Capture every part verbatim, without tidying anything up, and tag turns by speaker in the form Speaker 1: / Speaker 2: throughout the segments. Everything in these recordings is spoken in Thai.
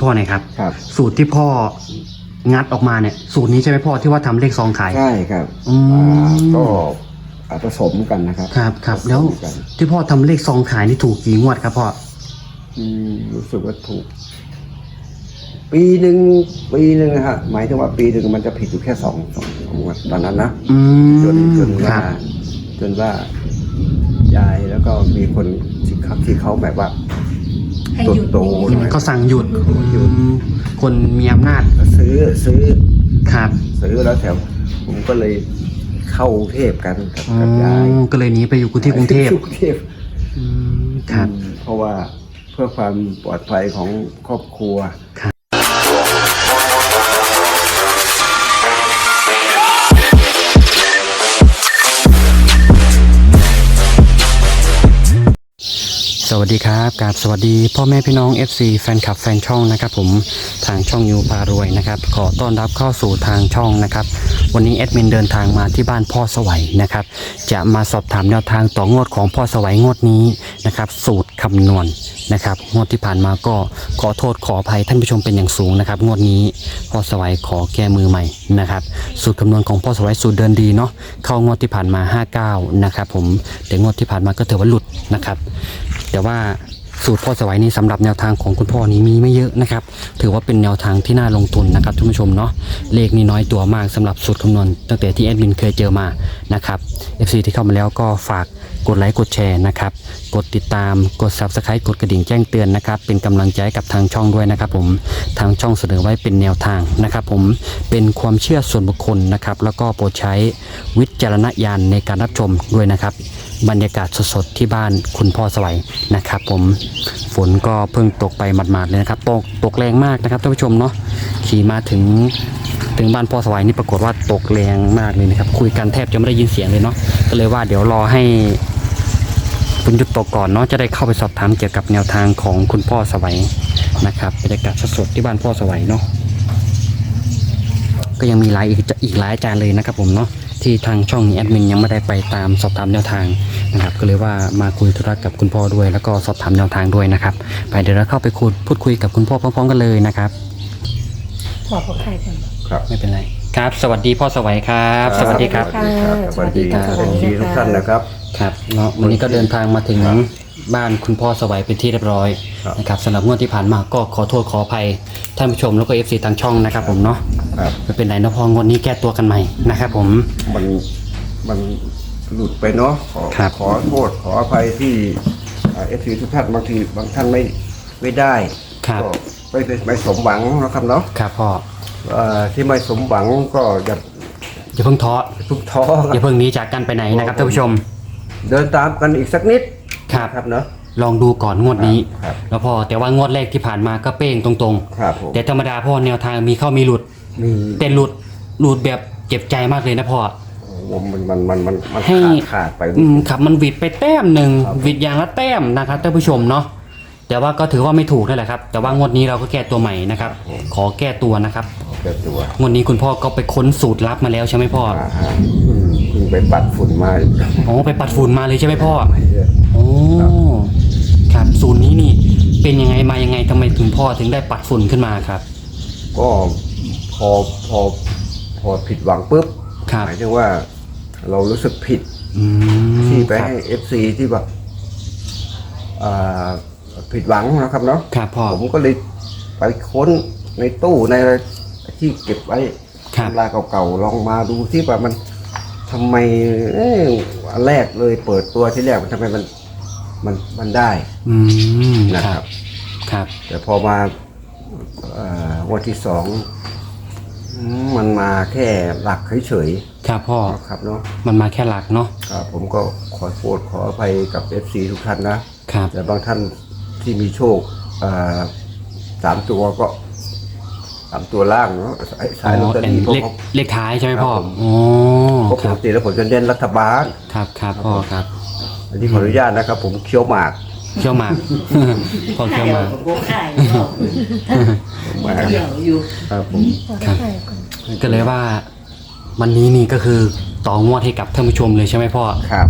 Speaker 1: พ่อหน่อยครับ
Speaker 2: ครับ
Speaker 1: สูตรที่พ่องัดออกมาเนี่ยสูตรนี้ใช่ไหมพ่อที่ว่าทำเลขซองขาย
Speaker 2: ใช่ครับ
Speaker 1: อืม
Speaker 2: อ่าก็อ่าผสมกันนะครับ
Speaker 1: ครับครับ
Speaker 2: ผสม
Speaker 1: แล้ว
Speaker 2: กัน
Speaker 1: ที่พ่อทำเลขซองขายนี่ถูกกี่งวดครับพ่อ
Speaker 2: อืมรู้สึกว่าถูก ปีหนึ่งปีหนึ่งนะฮะหมายถึงว่าปีหนึ่งมันจะผิดอยู่แค่สองสองงวดตอนนั้นนะ
Speaker 1: อืม
Speaker 2: จนจน
Speaker 1: ค
Speaker 2: ว่า
Speaker 1: รับ
Speaker 2: จนว่ายายแล้วก็มีคนที่เขาที่เขาแบบว่า
Speaker 3: ให้
Speaker 2: ตัว
Speaker 3: หยุด
Speaker 2: โต
Speaker 3: อย่างนี้
Speaker 2: หน่อย
Speaker 1: เขาสั่งหยุด
Speaker 2: หยุด
Speaker 1: อืมคนมีอำนาจ
Speaker 2: ซื้อซื้อ
Speaker 1: ครับ
Speaker 2: ซื้อแล้วแถวผมก็เลยเข้ากรุงเทพกันกับ
Speaker 1: อ๋
Speaker 2: กับยาย
Speaker 1: อก็เลยหนีไปอยู่ที่กรุงเทพ
Speaker 2: กรุงเทพ
Speaker 1: อืมครับ
Speaker 2: อืมเพราะว่าเพื่อความปลอดภัยของครอบครัว
Speaker 1: สวัสดีครับกราบสวัสดีพ่อแม่พี่น้อง เอฟ ซี แฟนคลับแฟนช่องนะครับผมทางช่องยูพารวยนะครับขอต้อนรับเข้าสู่ทางช่องนะครับวันนี้แอดมินเดินทางมาที่บ้านพ่อสวัยนะครับจะมาสอบถามแนวทางต่องวดของพ่อสวัยงวดนี้นะครับสูตรคำนวณนะครับงวดที่ผ่านมาก็ขอโทษขออภัยท่านผู้ชมเป็นอย่างสูงนะครับงวดนี้พ่อสวัยขอแก้มือใหม่นะครับสูตรคำนวณของพ่อสวัยสูตรเดินดีเนาะเข้างวดที่ผ่านมาห้าเก้านะครับผมแต่งวดที่ผ่านมาก็ถือว่าหลุดนะครับแต่ว่าสูตรพ่อสวัยนี้สำหรับแนวทางของคุณพ่อนี้มีไม่เยอะนะครับถือว่าเป็นแนวทางที่น่าลงทุนนะครับท่านผู้ชมเนาะเลขนี้น้อยตัวมากสำหรับสูตรคำนวณตั้งแต่ที่แอดมินเคยเจอมานะครับ เอฟ ซี ที่เข้ามาแล้วก็ฝากกดไลค์กดแชร์นะครับกดติดตามกด ซับสไครบ์ กดกระดิ่งแจ้งเตือนนะครับเป็นกำลังใจกับทางช่องด้วยนะครับผมทางช่องเสนอไว้เป็นแนวทางนะครับผมเป็นความเชื่อส่วนบุคคลนะครับแล้วก็โปรดใช้วิจารณญาณในการรับชมด้วยนะครับบรรยากาศสดๆที่บ้านคุณพ่อสวัยนะครับผมฝนก็เพิ่งตกไปหมาดๆเลยนะครับตกตกแรงมากนะครับท่านผู้ชมเนาะขี่มาถึงถึงบ้านพ่อสวัยนี่ปรากฏว่าตกแรงมากเลยนะครับคุยกันแทบจะไม่ได้ยินเสียงเลยเนาะก็เลยว่าเดี๋ยวรอให้ฝนหยุดตกก่อนเนาะจะได้เข้าไปสอบถามเกี่ยวกับแนวทางของคุณพ่อสวัยนะครับบรรยากาศสดๆที่บ้านพ่อสวัยเนาะก็ยังมีหลายอีกอีกหลายอาจารย์เลยนะครับผมเนาะที่ทางช่องนี้แอดมินยังไม่ได้ไปตามสอบถามแนวทางนะครับก็เลยว่ามาคุยธุระกับคุณพ่อด้วยแล้วก็สอบถามแนวทางด้วยนะครับไปเดี๋ยวเราเข้าไปคุยพูดคุยกับคุณพ่อพร้อมๆกันเลยนะครับ
Speaker 3: บอกพวกใครกัน
Speaker 2: ครับ
Speaker 1: ไม่เป็นไรครับสวัสดีพ่อสวัยครับ สวัสดีครับ
Speaker 3: ค่ะ
Speaker 2: สวัสดีครับ
Speaker 3: ส
Speaker 2: ส
Speaker 3: วั
Speaker 2: วั
Speaker 3: ส
Speaker 2: ส
Speaker 3: ดี
Speaker 2: ดี
Speaker 3: ค่ะ
Speaker 2: ทุกท่านนะครับ
Speaker 1: ครับเนาะวันนี้ก็เดินทางมาถึง
Speaker 2: ครับ
Speaker 1: บ้านคุณพ่อสวัยเป็นที่เรียบร้อย
Speaker 2: ครับ
Speaker 1: นะครับสำหรับงวดที่ผ่านมาก็ขอโทษขออภัยท่านผู้ชมแล้วก็ เอฟ ซี ทางช่องนะครับผมเนาะ
Speaker 2: ครับ
Speaker 1: ไม่เป็นไรนะพ่องวดนี้แก้ตัวกันใหม่นะครับผม
Speaker 2: มันมันหลุดไปเนาะขอ
Speaker 1: ครับ
Speaker 2: ขอโทษขออภัยที่เอฟซีทุกท่านบางทีบางท่านไม่ไม่ได้
Speaker 1: ครับ
Speaker 2: ก็ไม่ไม่ไม่สมหวังนะครับเนาะ
Speaker 1: ครับพ่อ
Speaker 2: เอ่อที่ไม่สมหวังก็อย่า
Speaker 1: อย่าเพิ่งท้อ
Speaker 2: ทุกท้อ
Speaker 1: อย่าเพิ่งหนีจากกันไปไหนนะครับท่านผู้ชม
Speaker 2: เดินตามกันอีกสักนิด
Speaker 1: ครับ
Speaker 2: ครับเนาะ
Speaker 1: ลองดูก่อนงวดนี้
Speaker 2: ครับ
Speaker 1: แล้วพอแต่ว่างวดแรกที่ผ่านมาก็เป้งตรง
Speaker 2: ครับผม
Speaker 1: ๆ แต่ธรรมดาพ่อแนวทางมีเข้ามีหลุด
Speaker 2: มี
Speaker 1: แต่หลุดหลุดแบบเจ็บใจมากเลยนะพ่อ
Speaker 2: โอ้โหมันมันมันมันมัน
Speaker 1: ให้
Speaker 2: ขาดขาดไป
Speaker 1: อืมครับมันหวิดไปแต้มหนึ่ง
Speaker 2: ครับ
Speaker 1: หวิดอย่างละแต้มนะครับท่านผู้ชมเนาะแต่ว่าก็ถือว่าไม่ถูกนั่นแหละครับ แต่ว่างวดนี้เราก็แก้ตัวใหม่นะครับ ขอแก้ตัวนะครับ
Speaker 2: เกิดตัว
Speaker 1: งวดนี้คุณพ่อก็ไปค้นสูตรลับมาแล้วใช่ไหมพ่อ
Speaker 2: อ่าฮะอืมเพิ่งไปปัดฝุ่นมา
Speaker 1: อ๋อไปปัดฝุ่นมาเลยใช่ไหมพ่อ
Speaker 2: เยอะ
Speaker 1: โอ้ครับสูตรนี้นี่เป็นยังไงมายังไงทำไมถึงพ่อถึงได้ปัดฝุ่นขึ้นมาครับ
Speaker 2: ก็พอพอพอผิดหวังปุ๊บ
Speaker 1: ครับ
Speaker 2: หมายถึงว่าเรารู้สึกผิด
Speaker 1: อืม
Speaker 2: ที่ไป
Speaker 1: ครับ
Speaker 2: ให้เอฟซีที่แบบอ่าผิดหวังนะครับเนาะ
Speaker 1: ครับพ่อ
Speaker 2: ผมก็เลยไปค้นในตู้ในอะไรที่เก็บไว้
Speaker 1: ครับ
Speaker 2: ตำราเก่าๆลองมาดูที่ว่ามันทำไมเอ้ยอันแรกเลยเปิดตัวที่แรกมันทำไมมันมันมันได้
Speaker 1: อืม
Speaker 2: นะ
Speaker 1: ค
Speaker 2: ค
Speaker 1: รั
Speaker 2: รั
Speaker 1: บบ ครับ
Speaker 2: แต่พอมาเอ่อวันที่สองอืมมันมาแค่หลักเฉย
Speaker 1: ครับพ่อ
Speaker 2: ๆครับเนาะ
Speaker 1: มันมาแค่หลักเนาะ
Speaker 2: ครับผมก็ขอโทษขออภัยกับ เอฟ ซี ทุกท่านนะ
Speaker 1: ครับ
Speaker 2: แต่บางท่านที่มีโชคเอ่อสามตัวก็สามตัวล่างเนาะสายสายลอตเตอ
Speaker 1: เป็น
Speaker 2: รี่พวก
Speaker 1: เลข
Speaker 2: เขา
Speaker 1: เลขท้ายใช่ไหมพ่อ
Speaker 2: ครับผม
Speaker 1: อ๋อ
Speaker 2: เพราะ
Speaker 1: ค
Speaker 2: ป
Speaker 1: รั
Speaker 2: ก
Speaker 1: บ
Speaker 2: ติแล้วผมจะเน้นรัฐบาล
Speaker 1: ครับครับพ่อครับ
Speaker 2: อันนี้ขออนุญาตนะครับ ผมเคี้ยวหมาก
Speaker 1: เขี้ยวหมาก พ่อเขี้ยวหมาก
Speaker 3: พวกใคร
Speaker 2: หมาก
Speaker 3: เดี๋ยวอยู่
Speaker 2: ครับผม
Speaker 1: ครับ ก็เลยว่าวันนี้นี่ก็คือต่องวดให้กับท่านผู้ชมเลยใช่ไหมพ่อ
Speaker 2: ครับ
Speaker 1: ต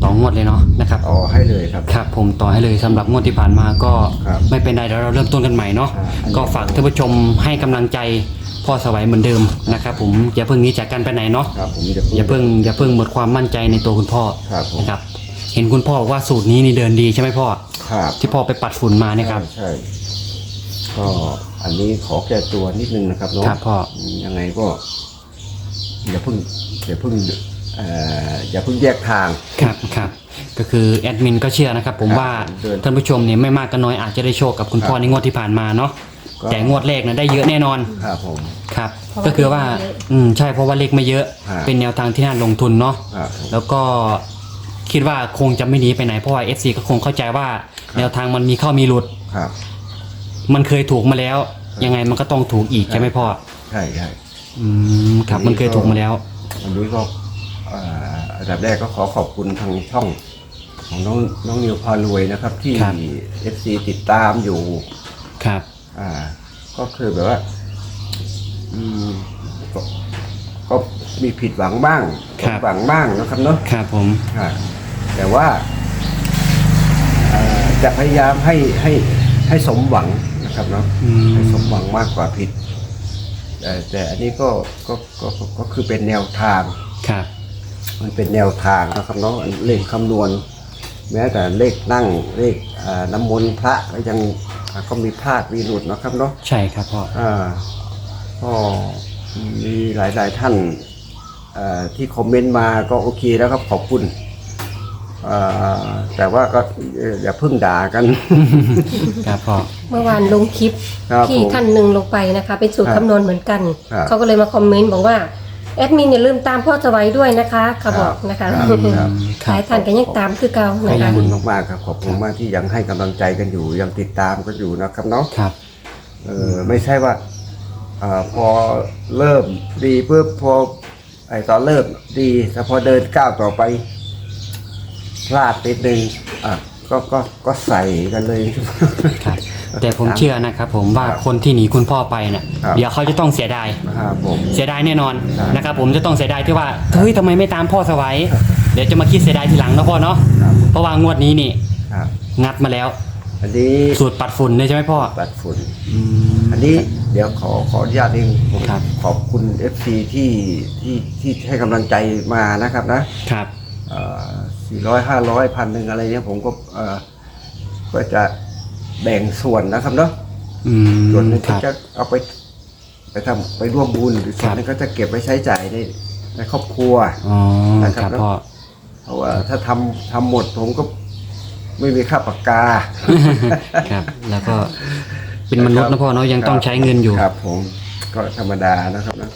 Speaker 1: ต่องวดเลยเนาะนะครับ
Speaker 2: ต่อให้เลยครับ
Speaker 1: ครับผมต่อให้เลยสำหรับงวดที่ผ่านมาก็
Speaker 2: ครับ
Speaker 1: ไม่เป็นไรเดี๋ยวเราเริ่มต้นกันใหม่เนาะ
Speaker 2: อ่าอันนี้
Speaker 1: ก็ฝากท่านผู้ชมให้กำลังใจพ่อสวัยเหมือนเดิมนะครับผมอย่าเพิ่งหนี้จากกันไปไหนเนาะ
Speaker 2: ครับผมจะ
Speaker 1: อย่าเพิ่งอย่าเพิ่งหมดความมั่นใจในตัวคุณพ่อ
Speaker 2: ครับผม
Speaker 1: นะครับเห็นคุณพ่อบอกว่าสูตรนี้นี่เดินดีใช่ไหมพ่อ
Speaker 2: ครับ
Speaker 1: ที่พ่อไปปัดฝุ่นมาเนี่ยครับ
Speaker 2: ใช่ใช่ก็อันนี้ขอแก้ตัวนิดนึงนะครับเนาะ
Speaker 1: ครับพ่อ
Speaker 2: ยังไงก็อย่าเพิ่งอย่าเพิ่งเอ่ออย่าเพิ่งแยกทาง
Speaker 1: ครับครับก็คือแอดมินก็เชื่อนะครับผม
Speaker 2: ครับ
Speaker 1: ว่า
Speaker 2: เดิน
Speaker 1: ท่านผู้ชมเนี่ยไม่มากก็น้อยอาจจะได้โชคกับคุณพ่อ
Speaker 2: ครับ
Speaker 1: ในงวดที่ผ่านมาเนาะ
Speaker 2: ก็
Speaker 1: แต่งวดแรกนะได้เยอะแน่นอน
Speaker 2: ครับผม
Speaker 1: ครับ
Speaker 3: เพราะว่า
Speaker 1: ก็คือว่า
Speaker 3: เลขไม่เยอะ
Speaker 1: อืมใช่เพราะว่าเลขไม่เยอะ
Speaker 2: ครับ
Speaker 1: เป็นแนวทางที่น่าลงทุนเนาะ
Speaker 2: ครับผม
Speaker 1: แล้วก็คิดว่าคงจะไม่หนีไปไหนเพราะว่า เอฟ ซี ก็คงเข้าใจว่า แนวทางมันมีเข้ามีหลุด
Speaker 2: ครับ
Speaker 1: มันเคยถูกมาแล้ว ยังไงมันก็ต้องถูกอีกใช่ไหมพ่อ
Speaker 2: ใช่ใช่
Speaker 1: อืมครับมันเคยถูกมาแล้ว
Speaker 2: วันนี้ก็เอ่ออันดับแรกก็ขอขอบคุณทางช่องของน้องน้องนิวพารวยนะครับ ที่
Speaker 1: ครับ
Speaker 2: เอฟซีติดตามอยู่
Speaker 1: ครับ
Speaker 2: อ่า ก็คือแบบว่า อืมก็ก็มีผิดหวังบ้างสมหวังบ้างนะครับเนาะ
Speaker 1: ครับผม
Speaker 2: อ่าแต่ว่าเอ่อจะพยายามให้ให้ให้สมหวังนะครับเนาะ
Speaker 1: อืม
Speaker 2: ให้สมหวังมากกว่าผิด แต่แต่อันนี้ก็ก็ก็ก็ก็คือเป็นแนวทาง
Speaker 1: ครับ
Speaker 2: มันเป็นแนวทางนะครับเนาะเลขคำนวณ แม้แต่เลขนั่งเลขอ่าน้ำมนต์พระก็ยังอ่าก็มีพลาดมีหลุดนะครับเนาะ
Speaker 1: ใช่ครับพ่อ
Speaker 2: อ่าก็มีหลายๆท่านอ่าที่คอมเมนต์มาก็โอเคแล้วครับขอบคุณอ่าแต่ว่าก็เอ่ออย่าเพิ่งด่ากัน
Speaker 1: ครับพ่อ
Speaker 3: เมื่อวานลงคลิป
Speaker 2: ครับ
Speaker 3: ที่
Speaker 2: ผม
Speaker 3: ท่านหนึ่งลงไปนะคะ เป็นสูตร
Speaker 2: ครับ
Speaker 3: คำนวณเหมือนกัน
Speaker 2: ครับ
Speaker 3: เขาก็เลยมาคอมเมนต์บอกว่าแอดมินอย่าลืมตามพ่อสวัยด้วยนะคะเขาบอกนะคะ
Speaker 2: ครับครับ
Speaker 3: หลายท่านก็ยังตามคือเก่า
Speaker 2: ข
Speaker 3: นะ
Speaker 2: อบ
Speaker 3: คะ
Speaker 2: คุณมากๆครับขอบคุณมากที่ยังให้กำลังใจกันอยู่ยังติดตามกันอยู่นะครับเนาะ
Speaker 1: ครับ
Speaker 2: เออไม่ใช่ว่าอาพอเริ่มดีปุ๊บพอไอตอนเริ่มดีแต่พอเดินก้าวต่อไปพลาดนิดนึงอ่ะก็ก็ก็ใส่กันเลย
Speaker 1: ครับ แต่ผมเชื่อนะครับผมว่า
Speaker 2: ครับ
Speaker 1: คนที่หนีคุณพ่อไปเนี่ย
Speaker 2: ครับ
Speaker 1: เดี๋ยวเขาจะต้องเสียดาย
Speaker 2: นะครับผม
Speaker 1: เสียดายแน่นอน
Speaker 2: ครับ
Speaker 1: นะครับผมจะต้องเสียดายที่ว่าเฮ้ยทำไมไม่ตามพ่อสวัยเดี๋ยวจะมาคิดเสียดายทีหลังนะพ่อเนาะ
Speaker 2: ครับ
Speaker 1: เพราะว่างวดนี้นี่
Speaker 2: ครับ
Speaker 1: งัดมาแล้ว
Speaker 2: อันนี้
Speaker 1: สูตรปัดฝุ่นเนี่ยใช่ไหมพ่อ
Speaker 2: ปัดฝุ่น
Speaker 1: อืม
Speaker 2: อันนี้เดี๋ยวขอขออนุญาตเองผม
Speaker 1: ครับ
Speaker 2: ขอบคุณ เอฟ ซี ที่ที่ที่ให้กำลังใจมานะครับนะ
Speaker 1: ครับ
Speaker 2: สี่ร้อยห้าร้อยพันหนึ่งอะไรเนี่ยผมก็เอ่อก็จะแบ่งส่วนนะครับเนาะ
Speaker 1: อืม
Speaker 2: ส่วนหนึง
Speaker 1: ค
Speaker 2: ก็
Speaker 1: รับ
Speaker 2: จะเอาไปไปทำไปร่วมบุญหรือส่วนหนึงก็จะเก็บไว้ใช้จ่ายในในครอบครัว
Speaker 1: อ๋อ
Speaker 2: นะครับ
Speaker 1: ครับพ่อ
Speaker 2: เพราะว่าถ้าทำทำหมดผมก็ไม่มีค่าปากกา
Speaker 1: ครับ แล้วก็เป็นมนุษย์นะพ่อเนาะยังต้องใช้เงินอยู่
Speaker 2: ครับผมก็ธรรมดานะครับนะ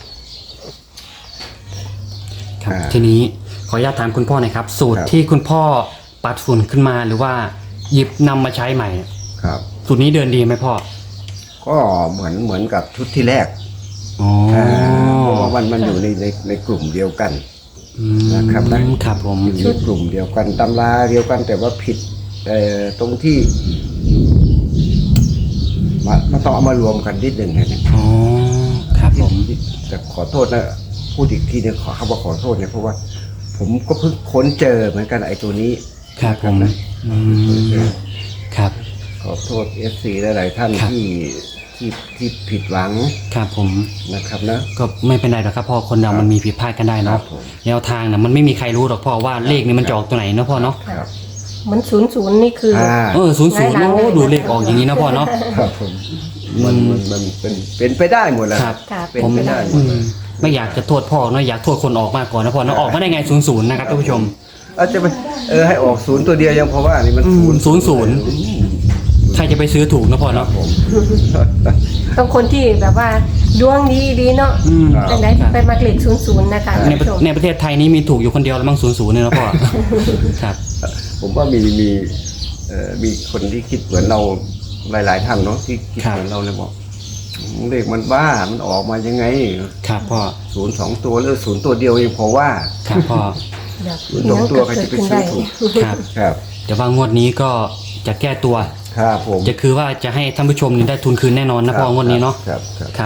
Speaker 1: ครับ
Speaker 2: อ่า
Speaker 1: ทีนี้ขออนุญาตถามคุณพ่อหน่อยครับ สูตร
Speaker 2: ครับ
Speaker 1: ที่คุณพ่อปัดฝุ่นขึ้นมาหรือว่าหยิบนำมาใช้ใหม่
Speaker 2: ครับ
Speaker 1: สูตรนี้เดินดีไหมพ่อ
Speaker 2: ก็เหมือนเหมือนกับชุดที่แรก
Speaker 1: อ๋อ
Speaker 2: อ่าเพราะว่ามันมันอยู่ในในในกลุ่มเดียวกัน
Speaker 1: อืม
Speaker 2: นะครับนะ
Speaker 1: ครับผม
Speaker 2: อยู่ในกลุ่มเดียวกันตำราเดียวกันแต่ว่าผิดเอ่อตรงที่มามันต้องเอามารวมกันนิดหนึ่งนะเนี่ย
Speaker 1: อ๋อครับผม
Speaker 2: แต่ขอโทษนะพูดอีกทีเนี่ยขอคำว่าขอโทษเนี่ยเพราะว่า ผมก็เพิ่งค้นเจอเหมือนกันไอ้ตัวนี้
Speaker 1: ครับผม
Speaker 2: นะ
Speaker 1: อืมครับ
Speaker 2: ขอโทษเอฟซีหลายๆท่าน
Speaker 1: ครับ
Speaker 2: ที่ที่ที่ผิดหวัง
Speaker 1: ครับผม
Speaker 2: นะครับนะ
Speaker 1: ก็ไม่เป็นไรหรอกครับพ่อคนเรา
Speaker 2: ครับ
Speaker 1: มันมีผิดพลาดกันได้
Speaker 2: ครั
Speaker 1: เนาะ
Speaker 2: บผม
Speaker 1: แนวทางนะมันไม่มีใครรู้หรอกพ่อว่าเลขนี้มันจะออกตัวไหนเนาะพ่อเนาะ
Speaker 2: ครับ
Speaker 3: เหมือนศูนย์ศูนย์นี่คืออ
Speaker 2: อ่า
Speaker 1: เออศูนย์ศูนย์
Speaker 3: หลายๆ
Speaker 1: โอ้
Speaker 3: เลย
Speaker 1: ดูเลขออกอย่างนี้นะพ่อเนาะ
Speaker 2: ครับผมมันมันมันเป็นเป็นไปได้หมดแหล้ว
Speaker 1: ครับ
Speaker 3: ครับ
Speaker 2: เป็น
Speaker 1: ผม
Speaker 2: ไปได้หม
Speaker 1: อื
Speaker 2: ด
Speaker 1: มไม่อยากจะโทษพ่อเนาะอยากโทษคนออกมากกว่านะพ่อเนาะออกมาได้ไงศูนย์ศูนย์นะครับท่านผู้ชม
Speaker 2: เอาจะไปเออให้ออกศูนย์ตัวเดียวยังเพราะว่านี่มัน
Speaker 1: อืม
Speaker 2: ศูนย์
Speaker 1: ศูนย์ศูนย์ ใครจะไปซื้อถูกนะพ่อ
Speaker 2: ครั
Speaker 1: เนาะ
Speaker 2: บผม
Speaker 3: ต้องคนที่แบบว่าดวงดีดีเนาะ
Speaker 1: อืม
Speaker 2: ครับ
Speaker 3: แต่ไหนไปมาเกล็ดศูนย์ศูนย์นะคะ
Speaker 1: ใน
Speaker 3: ท่านผู้ชม
Speaker 1: ในประเทศไทยนี้มีถูกอยู่คนเดียวแล้วมั้งศูนย์ศูนย์เนี่ยนะพ่อ ครับ
Speaker 2: ผมว่ามีมีเอ่อมีคนที่คิดเหมือนเราหลาย ๆ ท่านเนาะที่คิด
Speaker 1: ครับ
Speaker 2: เหมือนเราเลยบอกเลขมันบ้ามันออกมายังไง
Speaker 1: ครับพ่อ
Speaker 2: ศูนย์สองตัวหรือศูนย์ตัวเดียวเองเพราะว่า
Speaker 1: ครับพ่อ
Speaker 3: เดี๋ยว
Speaker 2: ศูนย์สองตัวใครจะไปซื้อถูก
Speaker 1: ครับ
Speaker 2: ครับ
Speaker 1: แต่ว่างวดนี้ก็จะแก้ตัว
Speaker 2: ครับผม
Speaker 1: จะคือว่าจะให้ท่านผู้ชมนี่ได้ทุนคืนแน่นอนนะพ่องวดนี้เนาะ
Speaker 2: ครับครับ
Speaker 1: ครับ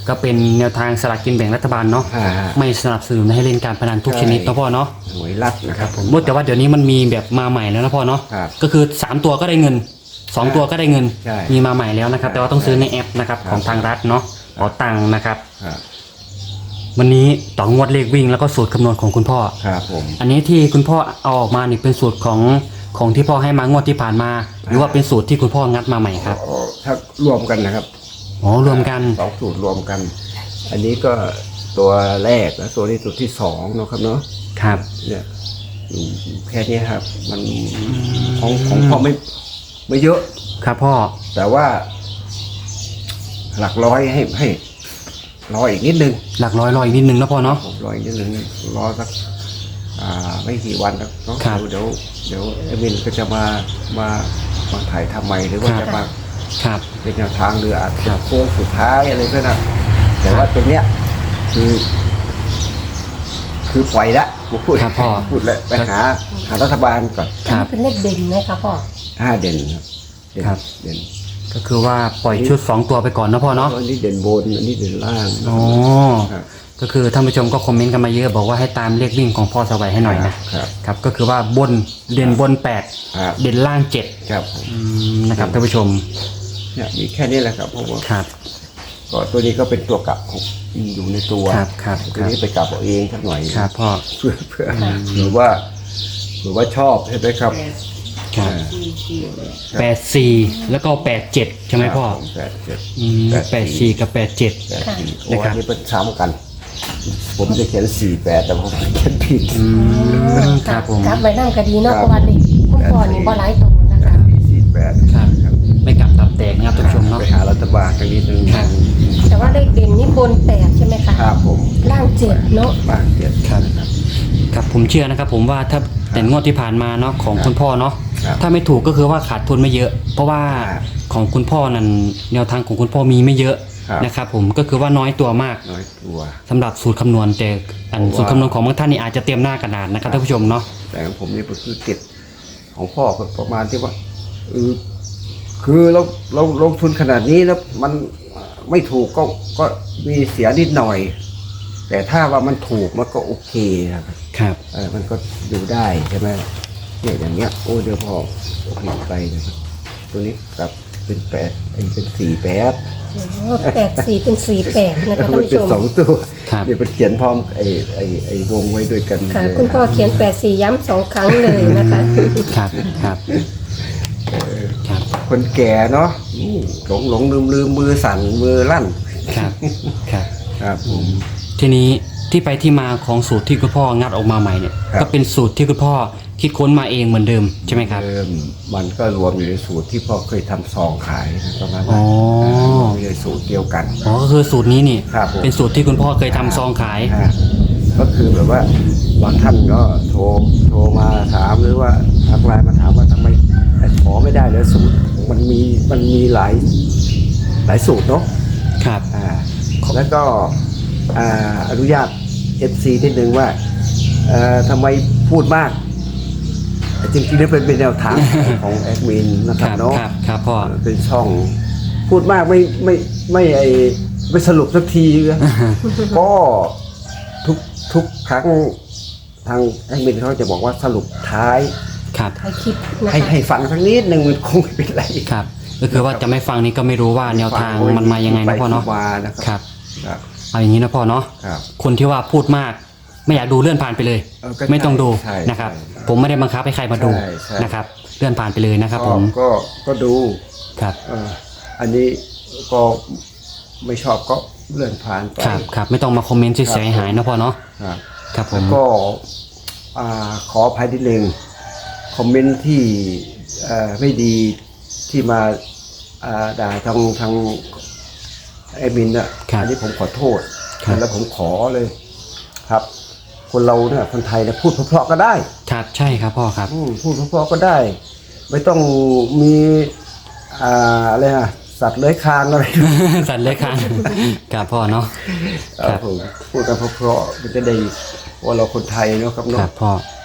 Speaker 1: ก็เป็นแนวทางสลากกินแบ่งรัฐบาลเนาะ
Speaker 2: อ่า
Speaker 1: ไม่สนับสนุนให้เล่นการพนันทุกชนิด
Speaker 2: ใช่
Speaker 1: เนาะพ่อเนาะ
Speaker 2: หวยรัดนะครับผม
Speaker 1: แต่ว่าเดี๋ยวนี้มันมีแบบมาใหม่แล้วนะพ่อเนาะ
Speaker 2: ครับ
Speaker 1: ก็คือสามตัวก็ได้เงินสองตัวก็ได้เงิน
Speaker 2: ใช่
Speaker 1: มีมาใหม่แล้วนะครับ แต่ว่าต้องซื้อในแอปนะครับ
Speaker 2: ครับ
Speaker 1: ของทางรัฐเนาะขอตังค์นะครับ
Speaker 2: ครับ
Speaker 1: วันนี้ต่องวดเลขวิ่งแล้วก็สูตรคำนวณของคุณพ่อ
Speaker 2: ครับผม
Speaker 1: อันนี้ที่คุณพ่อเอาออกมานี่เป็นสูตรของของที่พ่อให้มางวดที่ผ่านมา หรือว่าเป็นสูตรที่คุณพ่องัดมาใหม่ครับ
Speaker 2: อ๋อถ้ารวมกันนะครับ
Speaker 1: อ๋อรวมกัน
Speaker 2: สองสูตรรวมกัน อันนี้ก็ตัวแรกและตัวนี้ตัวที่สองเนาะครับเนาะ
Speaker 1: ครับ
Speaker 2: เนี่ยอืมแค่นี้ครับ มันของของพ่อไม่ไม่เยอะ
Speaker 1: ครับพ่อ
Speaker 2: แต่ว่า หลักร้อยให้ให้รออีกนิดนึง
Speaker 1: หลักร้อยรออีกนิดนึงนะพ่อเนาะ
Speaker 2: ผมรออีกนิดนึงรอสักอ่าไม่กี่วันแล้วเนาะ
Speaker 1: ครับ
Speaker 2: เดี๋ยวเดี๋ยวเอมินก็จะมามามาถ่ายทำใหม่หรือว่า
Speaker 1: ครับ
Speaker 2: จะมา
Speaker 1: ครับ
Speaker 2: เป็นแนวทางหรืออาจ
Speaker 1: ครั
Speaker 2: จะ
Speaker 1: บ
Speaker 2: โค้งสุดท้ายอะไรก็นะแต่ว่าตรงเนี้ยคือ คือปล่อยละผมพูด
Speaker 1: ครับพ่อ
Speaker 2: พูดแล้วไปหาหารัฐบาลก่อน
Speaker 1: ครับ
Speaker 3: เป็นเลขเด่นไหมคะพ่อ
Speaker 2: ห้าเด่นครับเด่น
Speaker 1: ครับ
Speaker 2: เด่น
Speaker 1: ก็คือว่าปล่อยชุดสองตัวไปก่อนนะพ่อเนาะ
Speaker 2: อันนี้เด่นบนอันนี้เด่นล่าง
Speaker 1: อ๋อ
Speaker 2: ครับ
Speaker 1: ก็คือท่านผู้ชมก็คอมเมนต์กันมาเยอะบอกว่าให้ตามเลขวิ่งของพ่อสวัยให้หน่อยนะครับ ครับก็คือว่าบนเด่นบนแปด
Speaker 2: ครับ
Speaker 1: เด่นล่างเจ็ด
Speaker 2: ครับผม
Speaker 1: อืมนะครับท่านผู้ชม
Speaker 2: เนี่ยมีแค่นี้แหละครับเพราะว่า
Speaker 1: ครับ
Speaker 2: ก็ตัวนี้ก็เป็นตัวกลับของอยู่ในตัว
Speaker 1: ครับครับ
Speaker 2: ตัวนี้ไปกลับเอาเองสักหน่อย
Speaker 1: ครับพ่อ
Speaker 2: เพื่อเพื่อหรือว่าหรือว่าชอบใช่ไหมครับ
Speaker 1: ครับ
Speaker 2: อ่า
Speaker 1: แปดสี่แล้วก็แปดเจ็ดใช่ไหมพ่อ
Speaker 2: แปดเจ็ด
Speaker 1: อืมแปดสี่กับแปดเจ็ด
Speaker 2: แปดสี่โอ้
Speaker 1: นะครับ
Speaker 2: อันนี้เป็นซ้ำกัน ผมจะเขียนสี่แปดแต่ผมเขียนผิด
Speaker 1: อืมครับผม
Speaker 3: ครับไว้นั่งก็ดีเนาะ
Speaker 2: ครับ
Speaker 3: เพราะว่าเด็กคุณพ่อนี่บ่หลายตัวนะคะ
Speaker 2: สี่แปด
Speaker 1: ครับ ไม่กลับตับแตกนะครับท่านผู้ชมเนาะ
Speaker 2: ไปหารัฐบาลกันนิดนึง
Speaker 1: ครับ
Speaker 3: แต่ว่าเลขเด่นนี่บนแปดใช่ไหมคะ
Speaker 2: ครับผม
Speaker 3: ล่างเจ็ดเนาะ
Speaker 2: บ้างเจ็ด
Speaker 1: ครับ ครับผมเชื่อนะครับผมว่าถ้าแต่งวดที่ผ่านมาเนาะของคุณพ่อเนาะ
Speaker 2: ครับ
Speaker 1: ถ้าไม่ถูกก็คือว่าขาดทุนไม่เยอะ เพราะว่า
Speaker 2: ครับ
Speaker 1: ของคุณพ่อนั้นแนวทางของคุณพ่อมีไม่เยอะ
Speaker 2: ครับ
Speaker 1: นะครับผมก็คือว่าน้อยตัวมาก
Speaker 2: น้อยตัว
Speaker 1: สำหรับสูตรคำนวณแต่อัน
Speaker 2: เพราะว่า
Speaker 1: สูตรคำนวณของบางท่านนี่อาจจะเตรียมหน้ากระดาษนะครับท่านผู้ชมเนาะ
Speaker 2: แต่ของผมนี่ก็คือติดของพ่อก็ประมาณที่ว่าเออคือเราเราลงทุนขนาดนี้แล้วมันไม่ถูกก็ก็มีเสียนิดหน่อย แต่ถ้าว่ามันถูกมันก็โอเคครับ
Speaker 1: ครับ
Speaker 2: เออมันก็ดูได้ใช่ไหมเนี่ยอย่างเงี้ยโอ้เดี๋ยวพอโอเคไปนะครับตัวนี้กลับเป็นแปดไอ้เป็นสี่แปด
Speaker 3: แปดสี่เป็นสี่แปดนะคะท่าน
Speaker 2: มัน
Speaker 3: ผู้
Speaker 2: เป็
Speaker 3: ช
Speaker 2: น
Speaker 3: ม
Speaker 2: สองตัว
Speaker 1: ครับ
Speaker 2: เดี๋ยวเป็นเขียนพร้อมไอ้ไอ้ไอ้วงไว้ด้วยกัน
Speaker 3: ค่ะ
Speaker 2: เลย
Speaker 3: คุณพ่อเขียนแปดสี่ย้ำสองครั้งเลยนะคะ
Speaker 1: ครับครับครับ
Speaker 2: คนแก่เนาะอืมหลงหลงลืมลืมมือสั่นมือลั่น
Speaker 1: ครับครับ
Speaker 2: ครับผม
Speaker 1: ทีนี้ที่ไปที่มาของสูตรที่คุณพ่องัดออกมาใหม่เนี่ย
Speaker 2: ครับ
Speaker 1: ก็เป็นสูตรที่คุณพ่อคิดค้นมาเองเหมือนเดิมใช่ไหมครับ
Speaker 2: เดิมมันก็รวมอยู่ในสูตรที่พ่อเคยทำซองขายนะประมาณ
Speaker 1: อ๋
Speaker 2: นั้
Speaker 1: อ
Speaker 2: นในสูตรเดียวกัน
Speaker 1: อ๋อก็คือสูตรนี้นี่
Speaker 2: ครับผม
Speaker 1: เป็นสูตรที่คุณพ่อเคยทำซองขาย
Speaker 2: ฮะก็คือแบบว่าบางท่านก็โทรโทรมาถามหรือว่าทักไลน์มาถามว่าทำไมขอไม่ได้เลยสูตรมันมีมันมีหลายหลายสูตรเนาะ
Speaker 1: ครับ
Speaker 2: อ่าแล้วก็อ่าอนุญาต เอฟ ซี นิดนึงว่าเอ่อทำไมพูดมากแต่จริงๆแล้วเป็นเป็นแนวทาง ของแอดมินนะค
Speaker 1: ครับ รับ
Speaker 2: เนาะ
Speaker 1: ครับครับพ่อ
Speaker 2: เออเป็นช่อง พูดมากไม่ไม่ไม่ไอไม่สรุปสักที นะ ก็ทุกทุกครั้งทางแอดมินเขาจะบอกว่าสรุปท้าย
Speaker 1: ครับ
Speaker 3: ถ่ายคลิปนะ
Speaker 2: ให้
Speaker 3: คะ
Speaker 2: ให้ฟังสักนิดหนึ่งมันคงไม่เป็นไร
Speaker 1: ครับ ก็คือว่าจะไม่ฟังนี่ก็ไม่รู้ว่าแนวทางมันมายังไงนะพ่อเนาะ
Speaker 2: ไปที่มานะค
Speaker 1: ค
Speaker 2: รั
Speaker 1: รับ
Speaker 2: ครับ
Speaker 1: เอาอย่างนี้นะพ่อเนาะ
Speaker 2: ครับ
Speaker 1: คนที่ว่าพูดมาก ไม่อยากดูเลื่อนผ่านไปเลย
Speaker 2: เออก็
Speaker 1: ไม่ต้องดู
Speaker 2: ใช่
Speaker 1: นะครับ
Speaker 2: ใช่
Speaker 1: ผมไม่ได้บังคับให้ใครมาดู
Speaker 2: ใช่ใช่
Speaker 1: นะครับ เลื่อนผ่านไปเลยนะครับ
Speaker 2: ก็
Speaker 1: ผม
Speaker 2: ก็ก็ดู
Speaker 1: ครับ
Speaker 2: เอออันนี้ก็ไม่ชอบก็เลื่อนผ่านไป
Speaker 1: ครับครับไม่ต้องมาคอมเมนต์เสียหายๆนะพ่อเนาะ
Speaker 2: ครับ
Speaker 1: ครับผม
Speaker 2: ก็อ่าขออภัยนิดนึงคอมเมนต์ที่เอ่อไม่ดีที่มาอ่าด่าทางทางแอดมินอ่ะ
Speaker 1: ครับ
Speaker 2: อันี้ผมขอโทษ
Speaker 1: ครับ
Speaker 2: แล้วผมขอเลยครับ คนเราเนี่ยคนไทยเนี่ยพูดเพราะๆก็ได้
Speaker 1: ครับใช่ครับพ่อครับ
Speaker 2: อืมพูดเพราะๆก็ได้ ไม่ต้องมีอ่าอะไรอะสัตว์เลื้อยคลานอะไร
Speaker 1: สันเลยครับครับพ่อเนาะ
Speaker 2: ครับผมพูดกันเพราะๆมันจะได้ว่าเราคนไทยเนาะครับ
Speaker 1: ค
Speaker 2: เนาะ
Speaker 1: รับพ่อ
Speaker 2: นะ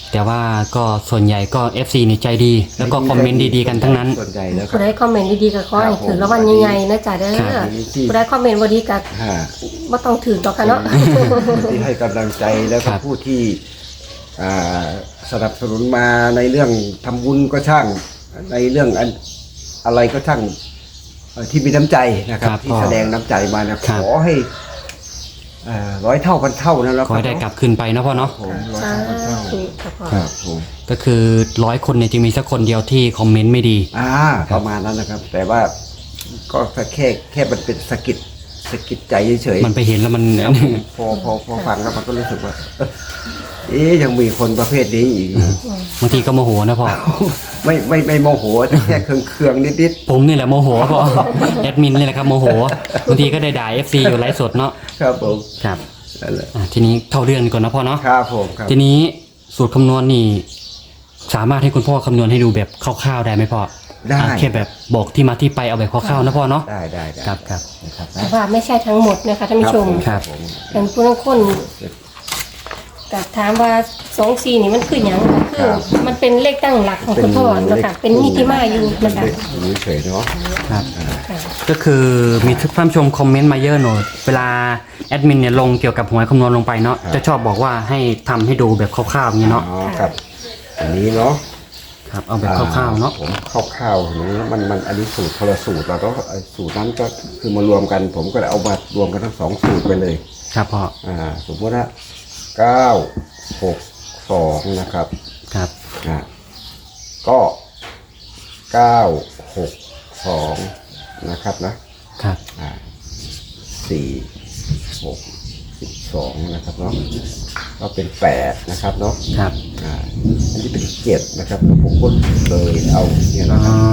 Speaker 1: แต่ว่าก็ส่วนใหญ่ก็ เอฟ ซี นี่ใจดี แล้วก็คอมเมนต์ดีๆกันทั้งนั้น
Speaker 2: ส่วนใหญ่แล้วครั
Speaker 3: ผู้
Speaker 2: บ
Speaker 3: ใดคอมเมนต์ดีๆก็ขอให้ถือแล้ววันใหญ่ๆนะจ๊ะเด้อ
Speaker 1: ครับ
Speaker 3: ผู้ใดคอมเมนต์บ่ดีก็
Speaker 2: ฮะ
Speaker 3: บ่ต้องถือต่อกค่ะเนาะ
Speaker 2: ที่ให้กำลังใจแล้ว
Speaker 1: ค
Speaker 2: ก็
Speaker 1: รับ
Speaker 2: ผู้ที่อ่าสนับสนุนมาในเรื่องทำบุญก็ช่าง ในเรื่องอันอะไรก็ช่างเอ่อที่มีน้ำใจนะครับ
Speaker 1: ครับ
Speaker 2: ที่แสดงน้ำใจมานะ
Speaker 1: ครั
Speaker 2: ข
Speaker 1: บ
Speaker 2: อให้อ่าร้อยเท่าพันเท่านะแล้ว
Speaker 1: ขอให้ได้กลับคืนไปเนาะพ่อเนาะ
Speaker 2: ผมร้อย
Speaker 3: สา
Speaker 2: เท่าพันเท่า
Speaker 3: ธุค่ะพ่อ
Speaker 2: ครับผม
Speaker 1: ก็คือร้อยคนเนี่ยจะมีสักคนเดียวที่คอมเมนต์ไม่ดี
Speaker 2: อ่าประมาณนั้นนะครับ แต่ว่าก็แค่แค่มันเป็นสะกิดสะกิดใจเฉยๆ
Speaker 1: มันไปเห็นแล้วมัน
Speaker 2: พอพอพอฟังแล้วมันก็รู้สึกว่า เอ๊ะยังมีคนประเภทนี้อีก
Speaker 1: บางทีก็โมโหนะพ่อ
Speaker 2: ไม่ไม่ไม่โมโหแต่แค่เคืองเคืองๆนิด
Speaker 1: ผมนี่แหละโมโหพ่อ แอดมินนี่แหละครับโมโหบางทีก็ได้ด่า เอฟ ซี อยู่ไลฟ์สดเนาะ
Speaker 2: ๆครับผม
Speaker 1: ครับ
Speaker 2: นั่นแหละ
Speaker 1: อ่ะทีนี้เข้าเรื่องก่อนนะพ่อเนาะ
Speaker 2: ครับผมครับ
Speaker 1: ทีนี้สูตรคำนวณนี่ สามารถให้คุณพ่อคำนวณให้ดูแบบคร่าวๆได้ไหมพ่อ
Speaker 2: ได้
Speaker 1: อ่ะแค่แบบบอกที่มาที่ไปเอาแบบคร่าวๆนะพ่อเนาะ
Speaker 2: ได้ได้ได้
Speaker 1: ครับครับ
Speaker 2: นะครับ
Speaker 3: แต่ว่าไม่ใช่ทั้งหมดนะคะท่านผู้ชม
Speaker 1: ครับ
Speaker 2: ผม
Speaker 3: เป็นผู้ลางคนก็ถามว่าสองสี่นี่มันคือหยังก็คือมันเป็นเลขตั้งหลักของคุณพ่อนะคะเป็นนิติมาอยู่นะคะ
Speaker 2: อยู่เฉยๆเนาะ
Speaker 1: ครับ
Speaker 3: ค่ะ
Speaker 1: ก็คือมีท่านผู้ชมคอมเมนต์มาเยอะหน่อยเวลาแอดมินเนี่ยลงเกี่ยวกับหวยคำนวณลงไปเนาะจะชอบบอกว่าให้ทำให้ดูแบบคร่าวๆอย่างนี้เนาะ
Speaker 2: อ๋อครับ อันนี้เนาะ
Speaker 1: ครับเอาแบบคร่าวๆเนาะ
Speaker 2: ผมคร่าวๆอย่างนี้มันมันอันนี้สูตรคนละสูตรเราก็ไอ้สูตรนั้นก็คือมารวมกัน ผมก็เลยเอามารวมกันทั้งสองสูตรไปเลย
Speaker 1: ครับพ่อ
Speaker 2: อ่าสมมติว่าเก้าหกสองนะครับ
Speaker 1: ครับ
Speaker 2: อ่าก็เก้าหกสองนะครับนะครับ อ่าสี่หกสิบสองนะครับเนาะก็เป็นแปดนะครับเนาะ
Speaker 1: ครับ
Speaker 2: อ่าอันนี้เป็นเจ็ดนะครับผมก็เลยเอาเนี่ยนะค
Speaker 1: อ๋
Speaker 2: รั
Speaker 1: อบ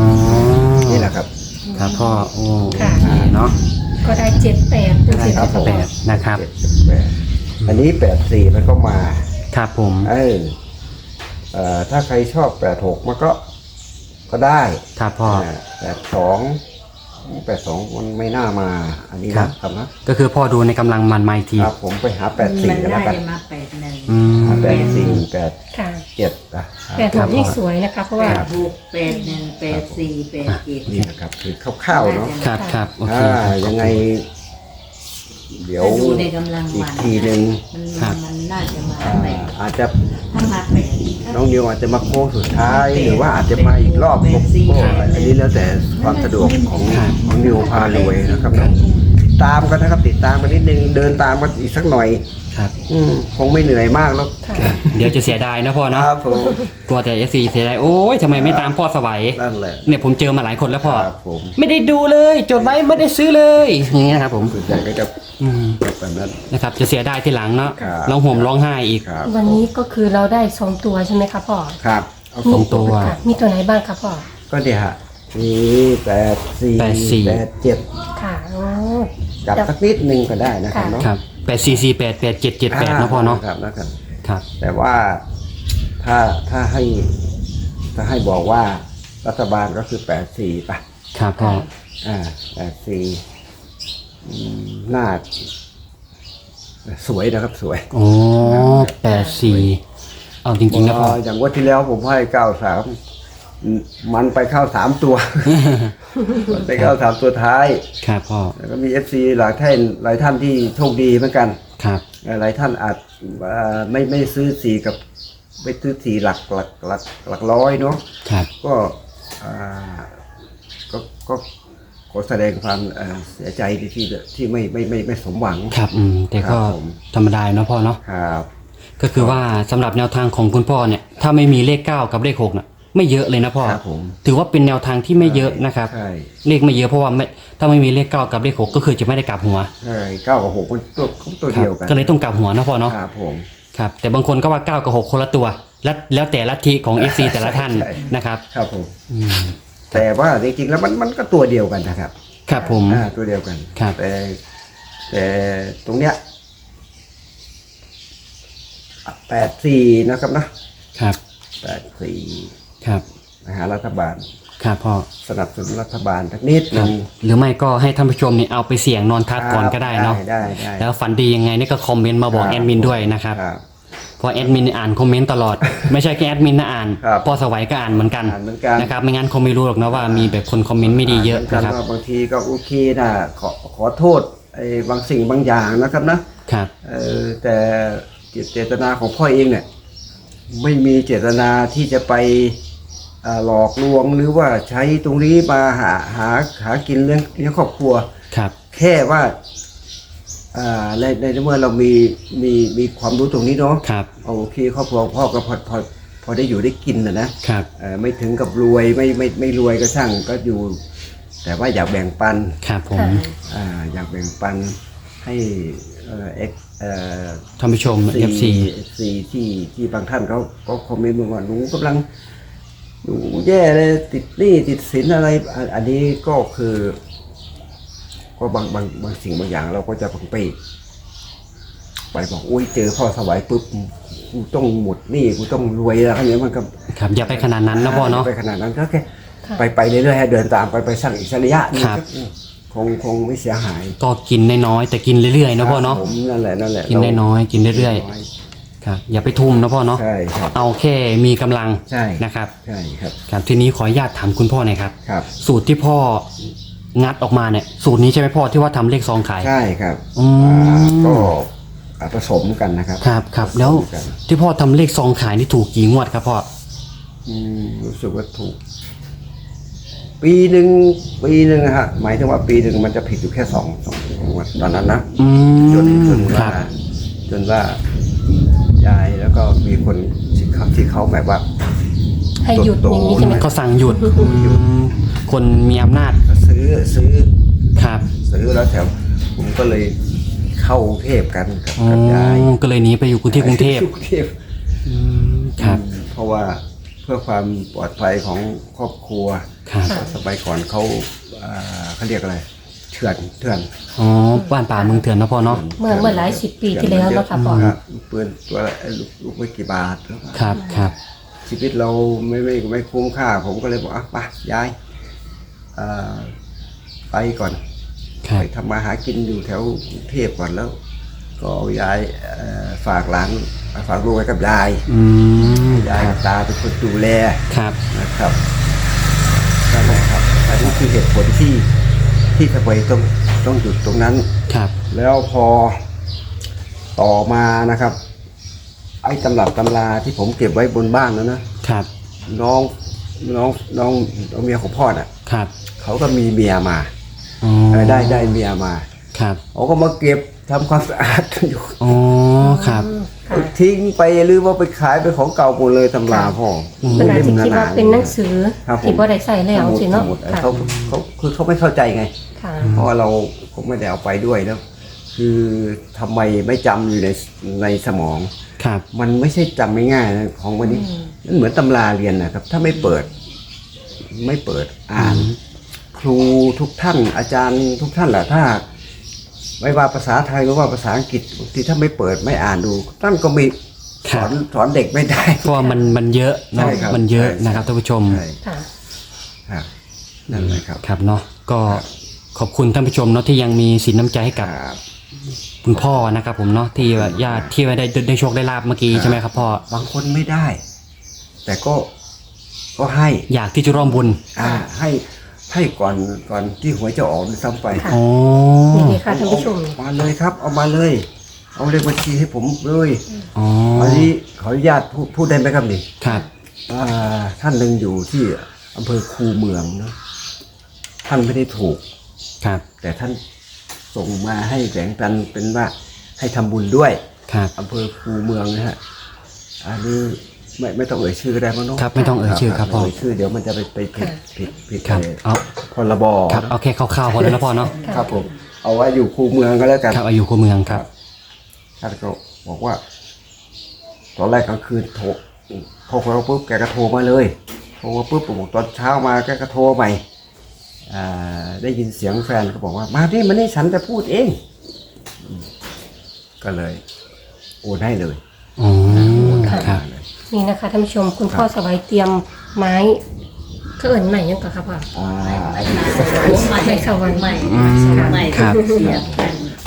Speaker 2: นี่แหละครับ
Speaker 1: ครับพ่อโอ้
Speaker 3: ค่ะ
Speaker 1: โอเคเนาะ
Speaker 3: ก็ได้เจ็ดแปดเป็น
Speaker 1: ได้
Speaker 3: สิบ
Speaker 1: ครับ
Speaker 3: ค่ะ
Speaker 1: แปดนะครับ
Speaker 2: เจ็ดกับแปดอันนี้แปดสี่มันก็มา
Speaker 1: ครับผม
Speaker 2: เออเอ่อถ้าใครชอบแปดหกมันก็ก็ได้
Speaker 1: ครับพ่อ
Speaker 2: แปดสองแปดสองมันไม่น่ามา อันนี้
Speaker 1: ครั
Speaker 2: นะ
Speaker 1: บ
Speaker 2: ครับนะ
Speaker 1: ก็คือพ่อดูในกำลังมันมาอีกที
Speaker 2: ครับผมไปหาแปดสี่
Speaker 4: มัน
Speaker 2: กันแล้
Speaker 4: น่าว
Speaker 2: กัน
Speaker 4: จะมาแปดหนึ่ง
Speaker 1: อืม
Speaker 2: หาแปดสี่แปด
Speaker 3: ค่ะ
Speaker 2: เจ็ดอ่ะ
Speaker 3: แปดหกนี่สวยนะคะเพราะ
Speaker 4: แป
Speaker 3: ว่า
Speaker 4: ดหกแปดหนึ่งแปดสี่แปดเจ็ด
Speaker 2: นี่นะครับคือคร่าวๆเนาะ
Speaker 1: ครับครับโอเค
Speaker 2: อ่า
Speaker 1: ครับ
Speaker 2: ยังไง เดี๋ยว
Speaker 4: ถ้าดูในกำลัง
Speaker 2: อี
Speaker 4: วั
Speaker 2: ก
Speaker 4: น
Speaker 2: ทีหนึ่ง
Speaker 4: มัน
Speaker 1: ครับ
Speaker 4: มันน่าจะมา
Speaker 2: อ่า
Speaker 4: แปด
Speaker 2: อาจจะ
Speaker 4: ถ้ามาแปด
Speaker 2: น้องนิวอาจจะมาโค้งสุดท้าย หรือว่าอาจจะมาอีกรอบก็ก็อันนี้แล้วแต่ความสะดวกของของนิวพารวยนะครับตามกันนะครับ ติดตามกันนิดนึงเดินตามกันอีกสักหน่อย
Speaker 1: ครับ
Speaker 2: อืมคงไม่เหนื่อยมากแล้ว
Speaker 3: ค่ะ
Speaker 1: เดี๋ยวจะเสียดายนะพ่อ
Speaker 2: ค
Speaker 1: เนาะ
Speaker 2: รับผม
Speaker 1: กลัวแต่เอฟซีเสียดายโอ้ยทำไมไม่ตามพ่อสวัย
Speaker 2: นั่นแหละ
Speaker 1: เนี่ยผมเจอมาหลายคนแล้วพ่อ
Speaker 2: ครับผม
Speaker 1: ไม่ได้ดูเลยจดไว้ไม่ได้ซื้อเลยอย่างเงี้ยครับผม
Speaker 2: ส่วนใหญ่ก็จะ
Speaker 1: อืม
Speaker 2: แบบนั้น
Speaker 1: นะครับจะเสียดายทีหลังเนาะ
Speaker 2: ครับ
Speaker 1: ร้องห่มร้องไห้อีก
Speaker 2: ครับ
Speaker 3: วันนี้ก็คือเราได้สองตัวใช่ไหมคะพ่อ
Speaker 2: ครับเอา
Speaker 1: สองตัว
Speaker 3: ค่ะมีตัวไหนบ้างคะพ่อ
Speaker 2: ก็เดี๋ยวฮะมีแปดสี่
Speaker 1: แปดสี่
Speaker 2: แปดเจ็ด
Speaker 3: ค่ะโอ้
Speaker 2: จับสักนิดนึงก็ได้นะครับ
Speaker 3: ค่ะ
Speaker 2: เนาะ
Speaker 1: ครับแปดสี่สี่แปดแปดเจ็ดเจ็ดแปดนะพ่อเนาะ
Speaker 2: ครับนะครับ
Speaker 1: ครับ
Speaker 2: แต่ว่าถ้าถ้าให้ถ้าให้บอกว่ารัฐบาลก็คือแปดสี่ป่ะ
Speaker 1: ครับพ่อ
Speaker 2: อ่าแปดสี่น่าสวยนะครับสวย
Speaker 1: โอ้แปดสี่เอาจริงๆนะพ่อ
Speaker 2: อย่างงวันที่แล้วผมให้เก้าสามมันไปเข้าสามตัว มันไปเข้าสามตัวท้าย
Speaker 1: ครับพ่อ
Speaker 2: แล้วก็มีเอฟซีหลายท่านหลายท่านที่โชคดีเหมือนกัน
Speaker 1: ครับ
Speaker 2: หลายท่านอาจอ่าไม่ไม่ซื้อสีกับไม่ซื้อสีหลักหลักหลักหลักร้อยเนาะ
Speaker 1: ครับ
Speaker 2: ก็อ่าก็ก็ขอแสดงความเอ่อเสียใจที่ที่ที่ไม่ไม่ไม่ไม่สมหวัง
Speaker 1: ครับอืมแต่ก็
Speaker 2: ครับผม
Speaker 1: ธรรมดาเนาะพ่อเนาะ
Speaker 2: ครับ
Speaker 1: ก็คือว่าสำหรับแนวทางของคุณพ่อเนี่ยถ้าไม่มีเลขเก้ากับเลขหกน่ะไม่เยอะเลยนะพ่อ
Speaker 2: ครับผม
Speaker 1: ถือว่าเป็นแนวทางที่ไม่เยอะนะครับ
Speaker 2: ใช่
Speaker 1: เลขไม่เยอะเพราะว่าไม่ถ้าไม่มีเลขเก้ากับเลขหกก็คือจะไม่ได้กลับหัว
Speaker 2: ใช่เก้ากับหกมันตัวตัว
Speaker 1: ครั
Speaker 2: เดี
Speaker 1: บ
Speaker 2: ยวกัน
Speaker 1: ก็เลยต้องกลับหัวนะพ่อเนาะ
Speaker 2: ครับผม
Speaker 1: ครับแต่บางคนก็ว่าเก้ากับหกคนละตัว แล้วแล้วแต่ลัทธิของ เอฟ ซี แต่ละท่าน
Speaker 2: ใช่
Speaker 1: นะครับ
Speaker 2: ครับผม
Speaker 1: อืม
Speaker 2: แต่ว่าจริงๆแล้วมันมันก็ตัวเดียวกันนะครับ
Speaker 1: ครับผม
Speaker 2: อ่าตัวเดียวกัน
Speaker 1: ครับ
Speaker 2: แต่แต่ตรงเนี้ยแปดสี่นะครับนะครับ แปดสี่
Speaker 1: ครับ
Speaker 2: นะฮะรัฐบาล
Speaker 1: ครับพ่อ
Speaker 2: สนับสนุนรัฐบาลสักนิดห
Speaker 1: ครั
Speaker 2: นึ
Speaker 1: บ
Speaker 2: ง
Speaker 1: หรือไม่ก็ให้ท่านผู้ชมเนี่ยเอาไปเสี่ยงนอนทับก่อนก็ได้เนาะ
Speaker 2: ได้ได้ได้
Speaker 1: แล้วฝันดียังไงนี่ก็คอมเมนต์มาบอก
Speaker 2: ครับ
Speaker 1: แอดมินด้วยนะครับ
Speaker 2: ครับ
Speaker 1: เพราะแอดมินอ่านคอมเมนต์ตลอด ไม่ใช่แค่แอดมินนะอ่าน
Speaker 2: ครับ
Speaker 1: พ่อสวัยก็อ่านเหมือนกัน
Speaker 2: อ่านเหมือนกัน
Speaker 1: นะครับไม่งั้นคงไม่รู้หรอกนะว่ามีแบบคนคอมเมนต์ไม่ดีเยอะ
Speaker 2: กั
Speaker 1: นะครับ
Speaker 2: ว่าบางทีก็โอเคนะขอขอโทษไอ้บางสิ่งบางอย่างนะครับนะครับ เออแต่เจตนาของพ่อเองเนี่ยไม่มีเจตนาที่จะไปเอ่อหลอกลวงหรือว่าใช้ตรงนี้มาหาหาหากินเลี้ยงเลี้ยงครอบครัว
Speaker 1: ครับ
Speaker 2: แค่ว่าอ่าในในเมื่อเรามีมีมีความรู้ตรงนี้เนาะ
Speaker 1: ครับ
Speaker 2: โอเคครอบครัวพ่อก็พอพอพอได้อยู่ได้กินนะนะครับ เอ่อไม่ถึงกับรวยไม่ไม่ไม่รวยก็ช่างก็อยู่ แต่ว่าอยากแบ่งปัน
Speaker 1: ครับผม
Speaker 3: ค่ะ
Speaker 2: อ่าอยากแบ่งปันให้เอ่อเอ็กเอ่อ
Speaker 1: ท่านผู้ชม เอฟ ซี
Speaker 2: ซีที่ที่บางท่านเขาก็คอมเมนต์มาว่าหนูกำลังหนูแย่เลยติดหนี้ติดสินอะไรอันอันนี้ก็คือ ก็บางบางบางสิ่งบางอย่างเราก็จะเพิ่งไปไปบอกอุ้ยเจอพ่อสวัยปุ๊บกูต้องหมดหนี้กูต้องรวยแล้วอะไรเงี้ยมันก็
Speaker 1: ครับอย่าไปขนาดนั้นนะพ่อเนาะ
Speaker 2: ไปขนาดนั้นก็แค่
Speaker 3: ค่ะ
Speaker 2: ไปไปเรื่อยๆให้เดินตามไปไปสั่งอีกสักระยะหนึง
Speaker 1: ครับ
Speaker 2: คงคงไม่เสียหาย
Speaker 1: ก็กินน้อยๆแต่กินเรื่อยๆนะพ่อเนาะ
Speaker 2: ผมนั่นแหละนั่นแหละ
Speaker 1: กินน้อยๆกินเรื่อย
Speaker 2: ๆ
Speaker 1: ครับอย่าไปทุ่มนะพ่อเนาะ
Speaker 2: ใช่ครับ
Speaker 1: เอาแค่มีกำลัง
Speaker 2: ใช่
Speaker 1: นะครับ
Speaker 2: ใช่ครับ
Speaker 1: ครับทีนี้ขออนุญาตถามคุณพ่อหน่อยครับ
Speaker 2: ครับ
Speaker 1: สูตรที่พ่องัดออกมาเนี่ยสูตรนี้ใช่ไหมพ่อที่ว่าทำเลขซองขาย
Speaker 2: ใช่ครับ
Speaker 1: อืม
Speaker 2: อ่าก็อ่าผสมกันนะครับ
Speaker 1: ครับครับ
Speaker 2: ผสม
Speaker 1: แล้ว
Speaker 2: กัน
Speaker 1: ที่พ่อทำเลขซองขายนี่ถูกกี่งวดครับพ่อ
Speaker 2: อืมรู้สึกว่าถูก ปีหนึ่งปีหนึ่งนะฮะหมายถึงว่าปีหนึ่งมันจะผิดอยู่แค่สองสองสองวันตอนนั้นนะ
Speaker 1: อื
Speaker 2: จนจ
Speaker 1: ม
Speaker 2: น
Speaker 1: ค
Speaker 2: ว่า
Speaker 1: รับ
Speaker 2: จนว่ายายแล้วก็มีคนที่เขาที่เขาแบบว่า
Speaker 3: ให้หยุดอย่างนี้ใช่ไหม
Speaker 1: ก็สั่งหยุดอืมคนมีอำนาจ
Speaker 2: ซื้อซื้อ
Speaker 1: ครับ
Speaker 2: ซื้อแล้วแถวผมก็เลยเข้ากรุงเทพกันกับ
Speaker 1: อ๋อ
Speaker 2: กับยาย
Speaker 1: ก็เลยหนีไปอยู่ที่กรุงเทพ
Speaker 2: กรุงเทพ
Speaker 1: อืมครับ
Speaker 2: อืมเพราะว่าเพื่อความปลอดภัยของครอบครัว
Speaker 1: ครับ
Speaker 2: สมัยก่อนเขาอ่าเขาเรียกอะไรเถื่อนเถื่อน
Speaker 1: อ๋อบ้านป่าเมืองเถื่อนนะพ่อเนาะ
Speaker 3: เมื่อเมื่อหลายสิบปีที่แล้วเนาะค่ะพ่อ
Speaker 2: ครับปืนตัวละไอ้ลูกลูกไม่กี่บาท
Speaker 1: ครับครับ
Speaker 2: ชีวิตเราไม่ไม่ไม่คุ้มค่า ผมก็เลยบอกอ่ะไปย้ายอ่าไปก่อน
Speaker 1: ครับ
Speaker 2: ไปทำมาหากินอยู่แถวกรุงเทพก่อนแล้ว ก็เอายายเอ่อฝากหลานฝากลูกไว้กับยาย
Speaker 1: อืม
Speaker 2: ยายกับตาเป็นคนดูแล
Speaker 1: ครับ
Speaker 2: นะครับนั่นแหละครับ อันนี้คือเหตุผลที่ที่ทำไมต้องต้องหยุดตรงนั้น
Speaker 1: ครับ
Speaker 2: แล้วพอต่อมานะครับ ไอ้ตำรับตำราที่ผมเก็บไว้บนบ้านแล้วนะครับ น้องน้องน้องน้องเมียของพ่อน่ะ
Speaker 1: ครับ
Speaker 2: เขาก็มีเมียมา
Speaker 1: อ๋อ
Speaker 2: เออได้ได้เมียมา
Speaker 1: ครับ
Speaker 2: เขาก็มาเก็บทำความสะอาดกันอยู่
Speaker 1: อ๋อครับ
Speaker 3: ค่ะ
Speaker 2: ทิ้งไปหรือว่าไปขายเป็นของเก่าหมดเลยตำราพ่อ
Speaker 3: ขนาดที่คิดว่าเป็นหนังสือ
Speaker 2: ครับผม
Speaker 3: ที่บ่ได้ใส่แล้วสิเนาะ
Speaker 2: สมุด
Speaker 3: ค่ะ
Speaker 2: เขาเขาคือเขาไม่เข้าใจไง
Speaker 3: ค่ะ
Speaker 2: เพราะว่าเราผมไม่ได้เอาไปด้วยแล้ว คือทำไมไม่จำอยู่ในในสมอง
Speaker 1: ครับ
Speaker 2: มันไม่ใช่จำไม่ง่ายนะของวันนี้มันเหมือนตำราเรียนนะครับ ถ้าไม่เปิด ไม่เปิดอ่าน ครูทุกท่าน อาจารย์ทุกท่านแหละถ้า ไม่ว่าภาษาไทยหรือว่าภาษาอังกฤษบางทีถ้าไม่เปิดไม่อ่านดูท่านก็ไม่สอนสอนเด็กไม่ได้
Speaker 1: เพราะว่ามันมันเยอะเนาะ
Speaker 2: ใช่ครับ
Speaker 1: มันเยอะ
Speaker 2: ใช่
Speaker 1: นะครับท่านผู้ชม
Speaker 2: ใช่
Speaker 3: ค่ะ
Speaker 2: ครับนั่นแหละครับ
Speaker 1: ครับเนาะก็ขอบคุณท่านผู้ชมเนาะที่ยังมีสินน้ำใจให้กับ
Speaker 2: ครับ
Speaker 1: คุณพ่อนะครับผมเนาะที่ว่าญาติที่ว่าได้ได้โชคได้ลาบเมื่อกี้ใช่ไหมครับพ่อบ
Speaker 2: างคนไม่ได้ แต่ก็ก็ให้
Speaker 1: อยากที่จะร่วมบุญ
Speaker 2: อ่าให้ให้ก่อนก่อนที่หวยจะออกด้วยซ้ำไป
Speaker 3: ค่ะ
Speaker 1: อ๋อ
Speaker 3: นี่เลยค่ะท่านผู้ชม
Speaker 2: เอามาเลยครับ เอามาเลย เอาเลขบัญชีให้ผมเลย
Speaker 1: อ๋อ
Speaker 2: อันนี้ขออนุญาตพูดพูดได้ไหมครับนี่
Speaker 1: ครับ
Speaker 2: อ่าท่านหนึ่งอยู่ที่อำเภอคูเมืองเนอะท่านไม่ได้ถูก
Speaker 1: ครับ
Speaker 2: แต่ท่านส่งมาให้แบ่งปันเป็นว่าให้ทำบุญด้วย
Speaker 1: ครับ
Speaker 2: อำเภอคูเมืองนะฮะอันนี้ไม่ไม่ต้องเอ่ยชื่อก็ได้มั้งเนาะ
Speaker 1: ครับไม่ต้องเอ่ยชื่อครับพ่อ
Speaker 2: เอ่ยชื่อเดี๋ยวมันจะไปไปผิดผิดผิด
Speaker 1: ครับ
Speaker 2: เอ่อ
Speaker 1: เอา
Speaker 2: พรบ
Speaker 1: ครับเอาแค่คร่าวๆพอแล้วนะพ่อเนาะ
Speaker 2: ครับผมเอาไว้อยู่คูเมืองก็แล้วกัน
Speaker 1: ครับอายุคู่เมืองครับ
Speaker 2: ท่านก็บอกว่า ตอนแรกกลางคืนโทรโทรเราปุ๊บแกก็โทรมาเลยโทรมาปุ๊บผมบอกตอนเช้ามาแกก็โทรใหม่อ่าได้ยินเสียงแฟนก็บอกว่ามาดิมานี่ฉันจะพูดเองอืมก็เลยโอนให้เลย
Speaker 1: อ๋อ
Speaker 2: โอนให้
Speaker 1: ครับ
Speaker 2: เลย
Speaker 3: นี่นะคะท่านผู้ชมคุณพ่อสบายเตรียมไม้ก็เอิ่นใหม่ยังก่อนครับพ่อ
Speaker 2: อ่า
Speaker 4: ใหม่ใหม่ใหม่
Speaker 3: ใหม่สวรรค์
Speaker 4: ใหม่
Speaker 1: อืม
Speaker 4: ใหม่
Speaker 1: ครับ
Speaker 4: เสียบกัน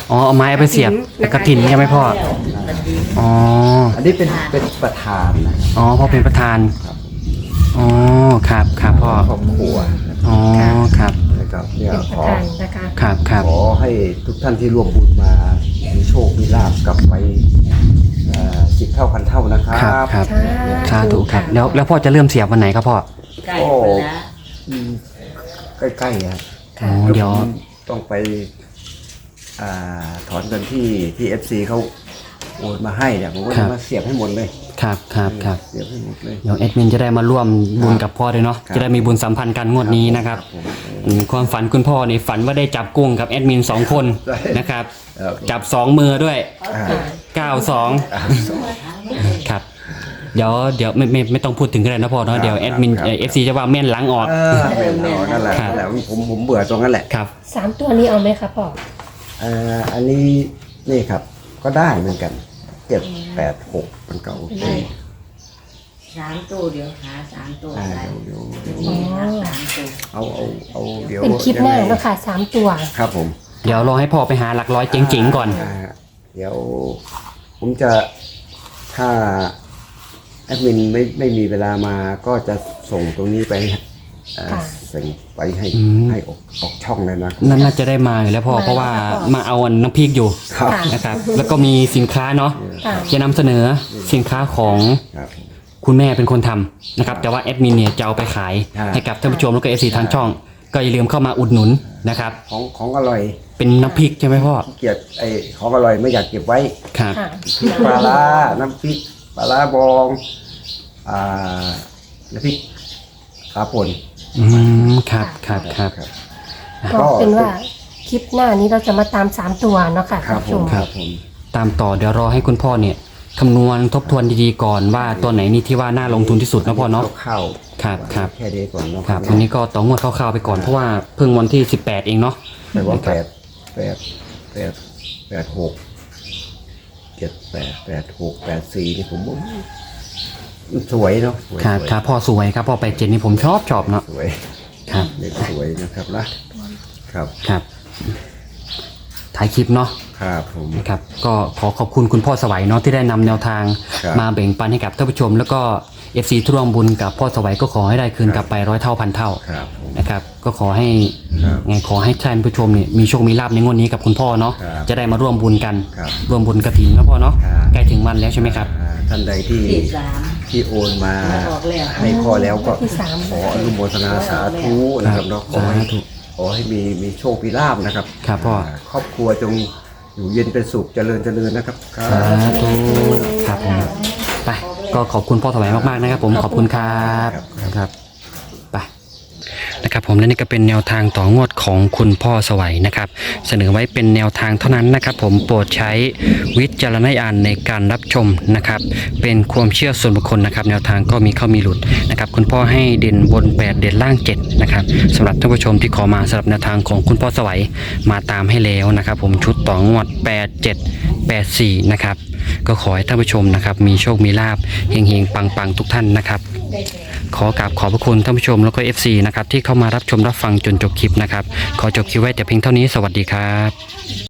Speaker 1: อ๋อเอาไม้เอาไปเสียบแต่กระถินใช่ไหมพ่อ
Speaker 4: กระถิ่น
Speaker 1: อ๋อ
Speaker 2: อันนี้เป็นเป็นประธานนะ
Speaker 1: อ๋อพ่อเป็นประธาน
Speaker 2: ครับ
Speaker 1: อ๋อครับครับพ่อ
Speaker 2: ครอบครัวนะครับ
Speaker 1: อ๋อครับ
Speaker 2: นะครับเนี่ย
Speaker 3: เป็นป
Speaker 2: ข
Speaker 3: ระ
Speaker 2: อ
Speaker 3: ธานนะคะ
Speaker 1: ครับครับ
Speaker 2: ขอให้ทุกท่านที่ร่วมบุญมามีโชคมีลาภกลับไปสิบเท่าพันเท่านะครั
Speaker 1: ครับ
Speaker 2: บ
Speaker 1: ครับ
Speaker 3: สาธุ
Speaker 1: สาธุครับ
Speaker 3: ค่ะ
Speaker 1: แล้วแล้วพ่อจะเริ่มเสียบวันไหนครับพ่อ
Speaker 4: ใกล้ไปแล้ว
Speaker 2: อืมใกล้ๆนะ
Speaker 1: อ๋อเดี๋ยว
Speaker 2: ผมต้องไปอ่าถอนเงินที่ที่เอฟซีเขาโอนมาให้เนี่ยผมก็
Speaker 1: ครั
Speaker 2: จะ
Speaker 1: บ
Speaker 2: มาเสียบให้หมดเลย
Speaker 1: ครับครับครับ
Speaker 2: เสียบให้หมดเลย
Speaker 1: เดี๋ยวแอดมินจะได้มาร่วมบุญกับพ่อด้วยเนาะ
Speaker 2: ครับ
Speaker 1: จะได้มีบุญสัมพันธ์กันงวดนี้นะครับ
Speaker 2: ผม
Speaker 1: อืมความฝันคุณพ่อนี่ฝันว่าได้จับกุ้งกับแอดมินสองคน
Speaker 2: ใช่
Speaker 1: นะครับ
Speaker 2: ครับ
Speaker 1: จับสองมือด้วย
Speaker 2: อ่า
Speaker 1: เก้าสอง
Speaker 2: อ่า
Speaker 1: ครับเดี๋ยวเดี๋ยวไม่ไม่ไม่ต้องพูดถึงกันเลยนะพ่อเนาะ
Speaker 2: ครับ
Speaker 1: เดี๋ยวแอดมิน
Speaker 2: ครับ
Speaker 1: เอฟซีจะว่าแม่นหลังออก
Speaker 2: เออเป็นเอานั่นแหละ
Speaker 1: ครับ
Speaker 2: นั่นแหละผมผมเบื่อตรงนั้นแหละ
Speaker 1: ครับ
Speaker 3: สามตัวนี้เอาไหมคะพ่อ
Speaker 2: เอ่ออันนี้นี่ครับก็ได้เหมือนกันเจ็ดแปดหกมันก็โอเค
Speaker 4: สามตัวเดี๋ยวหาสามตัว
Speaker 2: อ่า
Speaker 4: ได้
Speaker 2: เดี๋ยวเดี๋ยว
Speaker 4: เดี๋ยวหาสามตัว
Speaker 2: เอาเอาเอาเดี๋ยว
Speaker 3: เป็นคลิปหน้า
Speaker 2: ยังไง
Speaker 3: เนาะค่ะสามตัว
Speaker 2: ครับผม
Speaker 1: เดี๋ยวรอให้พ่อไปหาหลักร้อยเจ๋งๆก่อน
Speaker 2: าเดี๋ยวผมจะถ้าแอดมินไม่ไม่มีเวลามาก็จะส่งตรงนี้ไปเอ่อ
Speaker 3: ค่ะ
Speaker 2: ส่งไปให้
Speaker 1: อืม
Speaker 2: ให้ออกออกช่องเลยนะ
Speaker 1: นั่นน่าจะได้มาอยู่แล้วพ่อเพราะว่ามาเอาอันน้ำพริกอยู่
Speaker 2: ครับ
Speaker 3: ค่ะ
Speaker 1: นะครับแล้วก็มีสินค้าเนาะ
Speaker 3: ค่ะ
Speaker 1: จะนำเสนอสินค้าของ
Speaker 2: ครับ
Speaker 1: คุณแม่เป็นคนทำนะครับแต่ว่าแอดมินเนี่ยจะเอาไปขาย
Speaker 2: ใช่
Speaker 1: ให้กับท่านผู้ชมแล้วก็เอฟซีทางช่อง ก็อย่าลืมเข้ามาอุดหนุนนะครับ
Speaker 2: ของของอร่อย
Speaker 1: เป็นน้ำพริกใช่ไหมพ่อ
Speaker 2: ขี้เกียจไอ้ของอร่อยไม่อยากเก็บไว้
Speaker 1: ครับ
Speaker 3: ค่ะ
Speaker 2: พริกปลาร้าน้ำพริกปลาร้าบองอ่าน้ำพริกขาป่น
Speaker 1: อืมครับครับครับ
Speaker 2: ครับ
Speaker 3: ก็เป็นว่าคลิปหน้านี้เราจะมาตามสามตัวเนาะค่ะ
Speaker 2: ครั
Speaker 3: ท่า
Speaker 2: บ
Speaker 3: นผู้ช
Speaker 2: ผม
Speaker 3: ม
Speaker 2: ครับผม
Speaker 1: ตามต่อเดี๋ยวรอให้คุณพ่อเนี่ยคำนวณทบทวนดีๆก่อนว่าตัวไหนนี่ที่ว่าน่าลงทุนที่สุดนะพ่อเนาะ
Speaker 2: ข้าว
Speaker 1: ครับครับ
Speaker 2: แค่นี้ก่อนเนาะ
Speaker 1: ครับวันนี้ก็ต้องงวดคร่าวๆไปก่อนเพราะว่าเพิ่งวันที่สิบแปดเองเนาะ
Speaker 2: แต่ว่าแปดแปดแปดแปดหกเจ็ดแปดแปดหกแปดสี่นี่ผมว่ามันสวยเนาะสวย
Speaker 1: ครับ
Speaker 2: สวย
Speaker 1: ครับพ่อสวยครับพ่อไปเจ็ดนี่ผมชอบชอบเนาะ
Speaker 2: สวย
Speaker 1: ครับ
Speaker 2: เด็กสวยนะครับนะครับ
Speaker 1: ครับถ่ายคลิปเนาะ
Speaker 2: ครับผม
Speaker 1: นะครับก็ขอขอบคุณคุณพ่อสวัยเนาะที่ได้นำแนวทาง
Speaker 2: ครับ
Speaker 1: มาแบ่งปันให้กับท่านผู้ชม แล้วก็เอฟซีทุร่วมบุญกับพ่อสวัยก็ขอให้ได้คืนกลับไปร้อยเท่าพันเท่า
Speaker 2: ครับผม
Speaker 1: นะครับก็ขอให้
Speaker 2: ครับ
Speaker 1: ไงขอให้ท่านผู้ชมเนี่ยมีโชคมีลาภในงวดนี้กับคุณพ่อเนาะ
Speaker 2: ครับ
Speaker 1: จะได้มาร่วมบุญกัน
Speaker 2: ครับ
Speaker 1: ร่วมบุญกระถิ่นนะพ่อเนาะ
Speaker 2: ครับ
Speaker 1: ใกล้ถึงวันแล้วใช่ไหมครับ
Speaker 2: อ่าท่านใดที่
Speaker 4: ที่สาม
Speaker 2: ที่โอนมา
Speaker 4: ออกแล้ว
Speaker 2: ให้พ่อแล้วก็
Speaker 3: ที่สาม
Speaker 2: ขออนุโมทนาสาธุนะครับเนาะขอให้
Speaker 1: สาธุ
Speaker 2: ขอให้มีมีโชคมีลาภนะครับ
Speaker 1: ครับพ่อ
Speaker 2: าครอบครัวจงอยู่เย็นเป็นสุขเจริญเจริญนะครับครั
Speaker 1: สา
Speaker 2: บ
Speaker 1: ธุครับผมไปก็ขอบคุณพ่อสวัยมากๆนะครับ ผมขอบคุณครับครับไปนะครับผมและนี่ก็เป็นแนวทางต่องวดของคุณพ่อสวัยนะครับ เสนอไว้เป็นแนวทางเท่านั้นนะครับ ผมโปรดใช้วิจารณญาณในการรับชมนะครับ เป็นความเชื่อส่วนบุคคลนะครับ แนวทางก็มีเข้ามีหลุดนะครับ คุณพ่อให้เด่นบนแปดเด่นล่างเจ็ดนะครับสำหรับท่านผู้ชมที่ขอมาสำหรับแนวทางของคุณพ่อสวัยมาตามให้แล้วนะครับ ผมชุดต่องวดแปดเจ็ดแปดสี่นะครับก็ขอให้ท่านผู้ชมนะครับมีโชคมีลาภเฮงๆปังๆทุกท่านนะครับ ขอกราบขอบพระคุณท่านผู้ชมแล้วก็ เอฟ ซี นะครับที่เข้ามารับชมรับฟังจนจบคลิปนะครับขอจบคลิปไว้แต่เพียงเท่านี้สวัสดีครับ